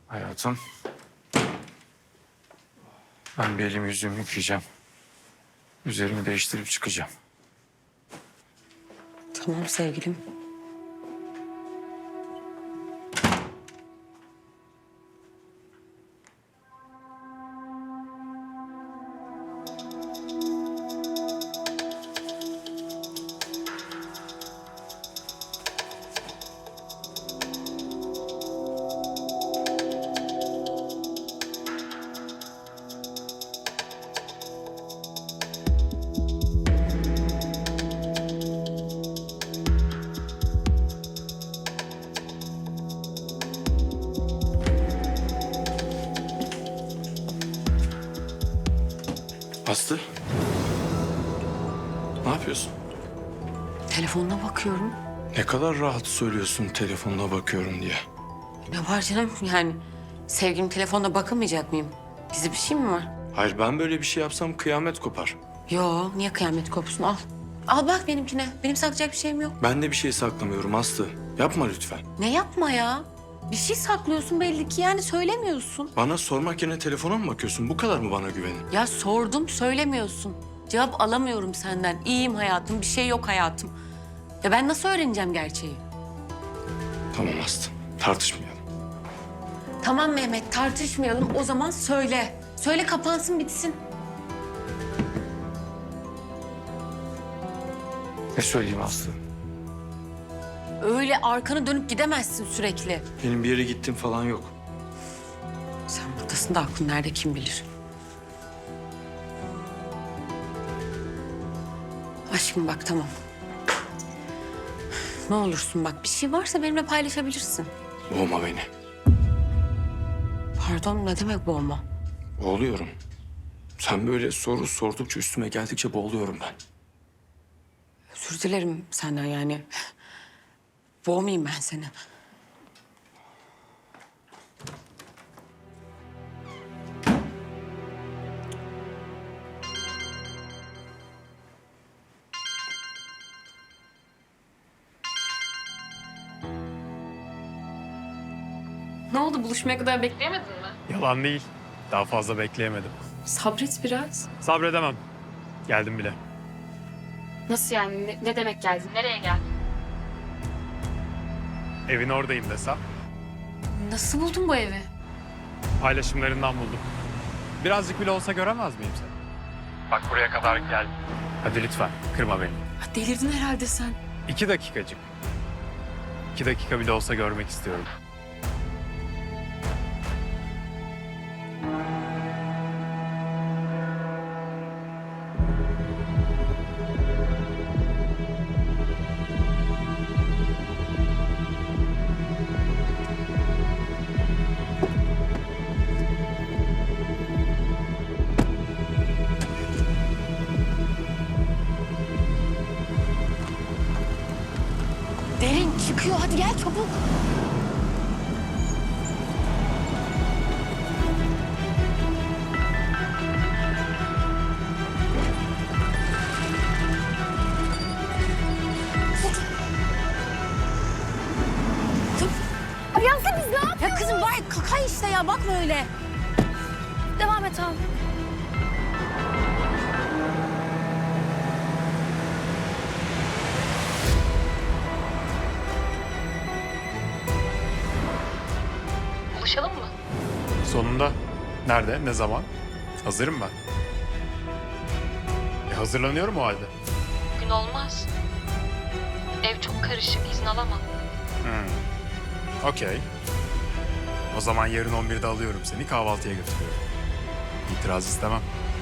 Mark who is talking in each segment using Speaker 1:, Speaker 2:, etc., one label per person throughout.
Speaker 1: Hayatım, ben bir elimi yüzümü yıkayacağım. Üzerimi değiştirip çıkacağım.
Speaker 2: Tamam sevgilim.
Speaker 1: Aslı, ne yapıyorsun?
Speaker 2: Telefonuna bakıyorum.
Speaker 1: Ne kadar rahat söylüyorsun telefonuna bakıyorum diye.
Speaker 2: Ne var canım yani? Sevgilim telefonuna bakamayacak mıyım? Gizli bir şey mi var?
Speaker 1: Hayır, ben böyle bir şey yapsam kıyamet kopar.
Speaker 2: Yo, niye kıyamet kopsun? Al. Al bak benimkine. Benim saklayacak bir şeyim yok.
Speaker 1: Ben de bir şey saklamıyorum Aslı. Yapma lütfen.
Speaker 2: Ne yapma ya? Bir şey saklıyorsun belli ki yani söylemiyorsun.
Speaker 1: Bana sormak yerine telefona mı bakıyorsun? Bu kadar mı bana güvenin?
Speaker 2: Ya sordum söylemiyorsun. Cevap alamıyorum senden. İyiyim hayatım, bir şey yok hayatım. Ya ben nasıl öğreneceğim gerçeği?
Speaker 1: Tamam Aslı, tartışmayalım.
Speaker 2: Tamam Mehmet tartışmayalım o zaman söyle. Söyle kapansın bitsin.
Speaker 1: Ne söyleyeyim Aslı?
Speaker 2: Öyle arkanı dönüp gidemezsin sürekli.
Speaker 1: Benim bir yere gittim falan yok.
Speaker 2: Sen buradasın da aklın nerede kim bilir. Aşkım bak tamam. Ne olursun bak bir şey varsa benimle paylaşabilirsin.
Speaker 1: Boğma beni.
Speaker 2: Pardon ne demek boğma?
Speaker 1: Boğuluyorum. Sen böyle soru sordukça üstüme geldikçe boğuluyorum ben.
Speaker 2: Özür dilerim senden yani. Boğmayayım ben seni.
Speaker 3: Ne oldu? Buluşmaya kadar bekleyemedin mi?
Speaker 4: Yalan değil. Daha fazla bekleyemedim.
Speaker 3: Sabret biraz.
Speaker 4: Sabredemem. Geldim bile.
Speaker 3: Nasıl yani? Ne demek geldin? Nereye geldin?
Speaker 4: Evin oradayım desem.
Speaker 3: Nasıl buldun bu evi?
Speaker 4: Paylaşımlarından buldum. Birazcık bile olsa göremez miyim seni? Bak buraya kadar geldim. Hadi lütfen kırma beni.
Speaker 3: Ha, delirdin herhalde sen.
Speaker 4: 2 dakikacık. 2 dakika bile olsa görmek istiyorum.
Speaker 2: Derin çıkıyor hadi gel çabuk.
Speaker 5: Ayansın biz ne yapıyoruz?
Speaker 2: Ya kızım bari kaka işte ya bakma öyle.
Speaker 5: Devam et abi.
Speaker 3: Buluşalım mı?
Speaker 4: Sonunda. Nerede? Ne zaman? Hazırım ben. Hazırlanıyorum o halde.
Speaker 3: Bugün olmaz. Ev çok karışık. İzin alamam.
Speaker 4: Okey. O zaman yarın 11'de alıyorum seni, kahvaltıya götürüyorum. İtiraz istemem.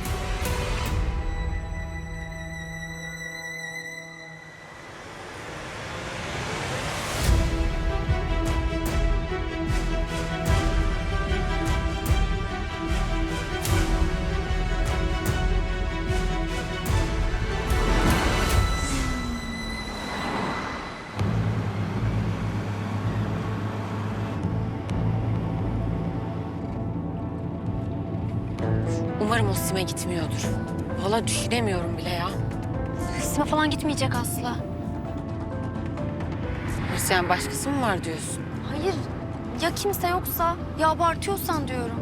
Speaker 2: Umarım o Sime gitmiyordur. Vallahi düşünemiyorum bile ya.
Speaker 5: Sime falan gitmeyecek Aslı.
Speaker 2: Nasıl yani başkası mı var diyorsun?
Speaker 5: Hayır. Ya kimse yoksa? Ya abartıyorsan diyorum.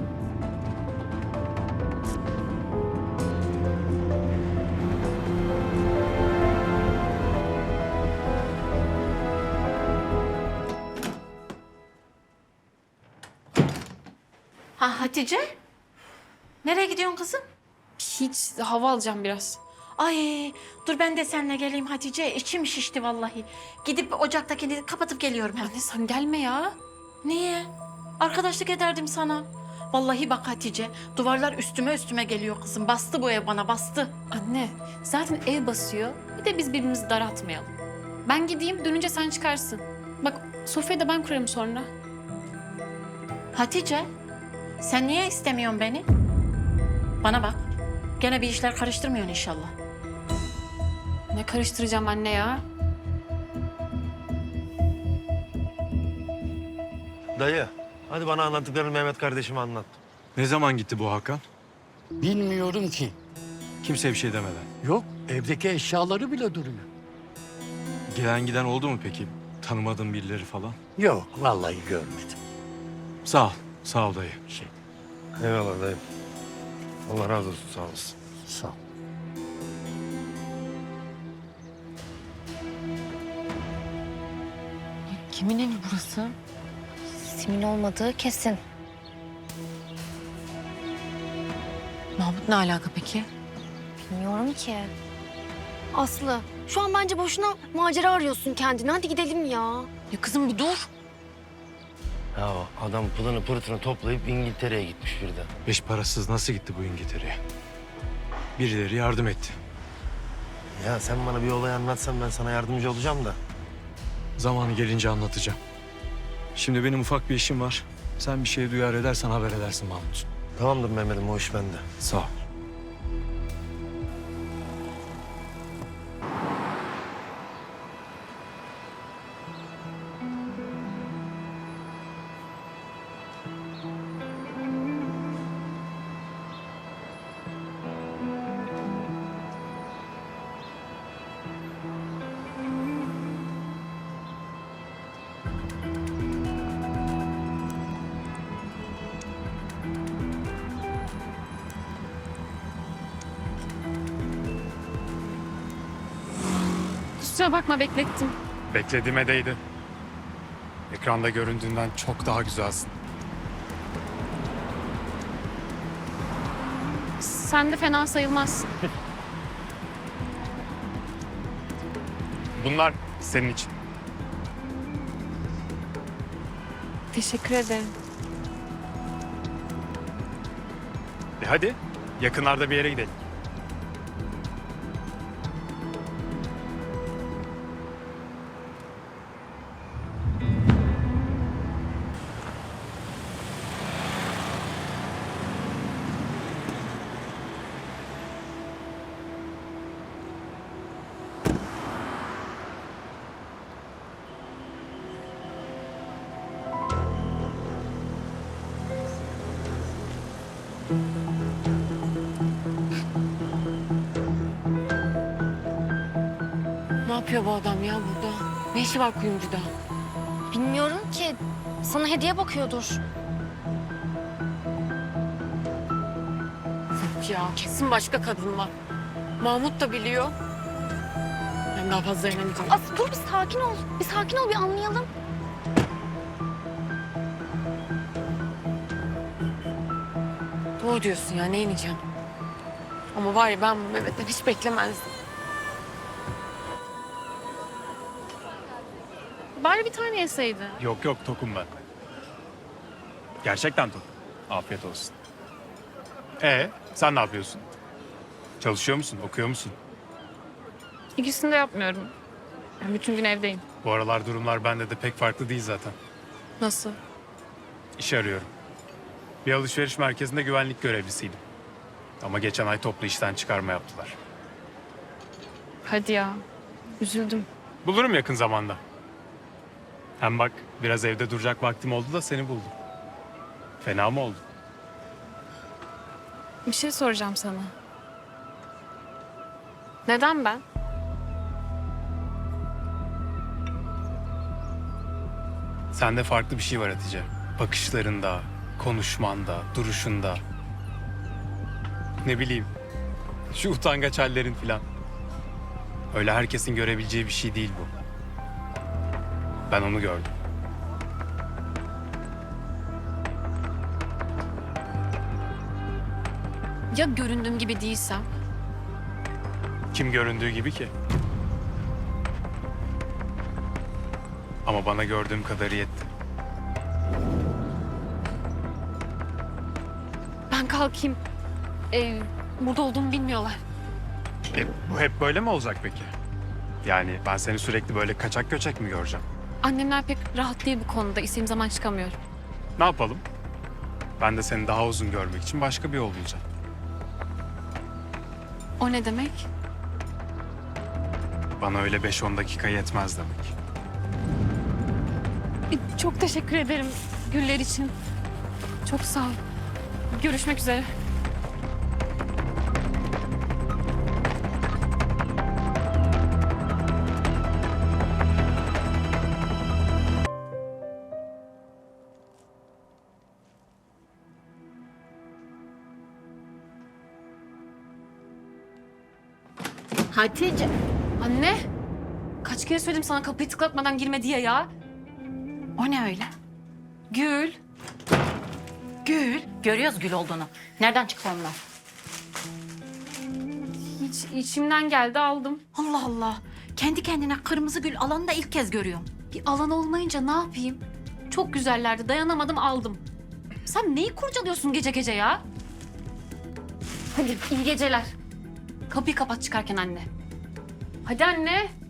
Speaker 6: Ha Hatice? Nereye gidiyorsun kızım?
Speaker 7: Hiç hava alacağım biraz.
Speaker 6: Ay dur ben de seninle geleyim Hatice. İçim şişti vallahi. Gidip ocaktakini kapatıp geliyorum hemen.
Speaker 7: Anne sen gelme ya.
Speaker 6: Niye? Arkadaşlık ederdim sana. Vallahi bak Hatice, duvarlar üstüme üstüme geliyor kızım. Bastı bu ev bana, bastı.
Speaker 7: Anne zaten ev basıyor. Bir de biz birbirimizi daraltmayalım. Ben gideyim dönünce sen çıkarsın. Bak sofrayı da ben kurarım sonra.
Speaker 6: Hatice, sen niye istemiyorsun beni? Bana bak, gene bir işler karıştırmıyorsun inşallah.
Speaker 7: Ne karıştıracağım anne ya?
Speaker 8: Dayı, hadi bana anlattıklarını Mehmet kardeşime anlat.
Speaker 9: Ne zaman gitti bu Hakan?
Speaker 10: Bilmiyorum ki.
Speaker 9: Kimseye bir şey demeden.
Speaker 10: Yok, evdeki eşyaları bile duruyor.
Speaker 9: Gelen giden oldu mu peki? Tanımadığın birileri falan?
Speaker 10: Yok, vallahi görmedim.
Speaker 9: Sağ ol. Sağ ol dayı.
Speaker 8: Eyvallah dayı. Allah razı olsun, sağ olasın.
Speaker 10: Sağ ol.
Speaker 2: Kimin evi burası?
Speaker 5: Simin olmadığı kesin.
Speaker 2: Mahmut ne alaka peki?
Speaker 5: Bilmiyorum ki. Aslı, şu an bence boşuna macera arıyorsun kendine. Hadi gidelim ya.
Speaker 2: Ya kızım bir dur.
Speaker 8: Ya adam pılını pırtını toplayıp İngiltere'ye gitmiş birden.
Speaker 9: Beş parasız nasıl gitti bu İngiltere'ye? Birileri yardım etti.
Speaker 8: Ya sen bana bir olay anlatsan ben sana yardımcı olacağım da.
Speaker 9: Zamanı gelince anlatacağım. Şimdi benim ufak bir işim var. Sen bir şey duyar edersen haber edersin Mahmut.
Speaker 8: Tamamdır Mehmet'im, o iş bende.
Speaker 9: Sağ ol.
Speaker 7: Kusura bakma beklettim.
Speaker 4: Beklediğime değdi. Ekranda göründüğünden çok daha güzelsin.
Speaker 7: Sen de fena sayılmazsın.
Speaker 4: Bunlar senin için.
Speaker 7: Teşekkür ederim.
Speaker 4: Hadi yakınlarda bir yere gidelim.
Speaker 2: Ne yapıyor bu adam ya burada? Ne işi var kuyumcuda?
Speaker 5: Bilmiyorum ki. Sana hediye bakıyordur.
Speaker 2: Yok ya kesin başka kadın var. Mahmut da biliyor. Ben daha fazla dayanamayacağım.
Speaker 5: Aslı dur bir sakin ol. Bir sakin ol bir anlayalım.
Speaker 2: Doğru diyorsun ya ne ineceğim. Ama var ya ben bu Mehmet'ten hiç beklemezdim.
Speaker 7: Bari bir tane yeseydin.
Speaker 4: Yok yok, tokum ben. Gerçekten tok. Afiyet olsun. Sen ne yapıyorsun? Çalışıyor musun, okuyor musun?
Speaker 7: İkisini de yapmıyorum. Ben bütün gün evdeyim.
Speaker 4: Bu aralar durumlar bende de pek farklı değil zaten.
Speaker 7: Nasıl?
Speaker 4: İş arıyorum. Bir alışveriş merkezinde güvenlik görevlisiydim. Ama geçen ay toplu işten çıkarma yaptılar.
Speaker 7: Hadi ya. Üzüldüm.
Speaker 4: Bulurum yakın zamanda. Hem bak biraz evde duracak vaktim oldu da seni buldum. Fena mı oldu?
Speaker 7: Bir şey soracağım sana. Neden ben?
Speaker 4: Sende farklı bir şey var Hatice. Bakışlarında, konuşmanda, duruşunda. Ne bileyim, şu utangaç hallerin filan. Öyle herkesin görebileceği bir şey değil bu. Ben onu gördüm.
Speaker 7: Ya göründüğüm gibi değilsem?
Speaker 4: Kim göründüğü gibi ki? Ama bana gördüğüm kadarı yetti.
Speaker 7: Ben kalkayım. Burada olduğumu bilmiyorlar.
Speaker 4: Bu hep böyle mi olacak peki? Yani ben seni sürekli böyle kaçak göçek mi göreceğim?
Speaker 7: Annemler pek rahat değil bu konuda. İstediğim zaman çıkamıyorum.
Speaker 4: Ne yapalım? Ben de seni daha uzun görmek için başka bir yol bulacağım.
Speaker 7: O ne demek?
Speaker 4: Bana öyle 5-10 dakika yetmez demek.
Speaker 7: Çok teşekkür ederim güller için. Çok sağ ol. Görüşmek üzere.
Speaker 6: Hatice.
Speaker 7: Anne. Kaç kere söyledim sana kapıyı tıklatmadan girme diye ya.
Speaker 6: O ne öyle?
Speaker 7: Gül.
Speaker 6: Gül. Görüyoruz gül olduğunu. Nereden çıktı onlar?
Speaker 7: Hiç içimden geldi aldım.
Speaker 6: Allah Allah. Kendi kendine kırmızı gül alanı da ilk kez görüyorum.
Speaker 7: Bir alan olmayınca ne yapayım? Çok güzellerdi dayanamadım aldım. Sen neyi kurcalıyorsun gece gece ya? Hadi iyi geceler. Kapıyı kapat çıkarken anne. Hadi anne.